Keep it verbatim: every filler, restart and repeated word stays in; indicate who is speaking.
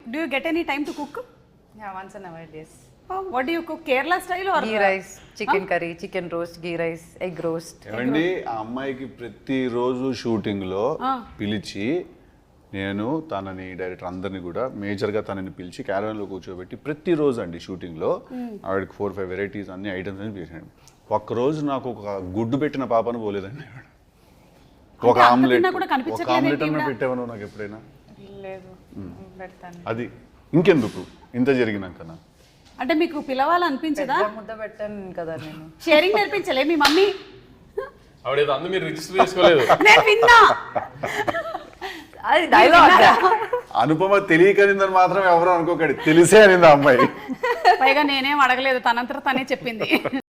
Speaker 1: Do you get any time to cook?
Speaker 2: Yeah, once in a while, yes.
Speaker 1: What do you cook? Kerala style or
Speaker 2: Ghee rice, chicken curry, chicken roast, ghee rice, egg roast.
Speaker 3: ఏమండి ఆ అమ్మాయికి ప్రతిరోజు shooting లో పిలిచి నేను తనని director అందరిని కూడా మేజర్గా తనని పిలిచి క్యారవాన్లో కూర్చోబెట్టి ప్రతిరోజు అండి షూటింగ్లో ఆవిడకి ఫోర్ ఫైవ్ వెరైటీస్ అన్ని ఐటమ్స్ అని చేశాను. ఒక్కరోజు నాకు ఒక గుడ్డు పెట్టిన పాపను పోలేదండి ఆవిడ. ఒక ఆమ్లెట్ ఒక ఆమ్లెట్ అన్న పెట్టావను నాకు ఎప్పుడైనా
Speaker 2: లేదు పెడతాను.
Speaker 3: అది ఇంకెందుకు ఇంత జరిగినాకనా?
Speaker 1: అంటే మీకు పిలవాలనిపించదా?
Speaker 2: ముద్ద పెట్టాను కదా నేను.
Speaker 1: షేరింగ్ నేర్పించలే మీ మమ్మీ?
Speaker 4: ఆవిడేదో అందు మీరు రిజిస్టర్ చేసుకోలేదు.
Speaker 1: నేను విన్నా.
Speaker 2: అది డైలాగ్.
Speaker 3: అనుపమ తెలియకనిందని మాత్రం ఎవరు అనుకోకండి, తెలిసే అనింది ఆ అమ్మాయి.
Speaker 1: పైగా నేనేం అడగలేదు, తనంతట తనే చెప్పింది.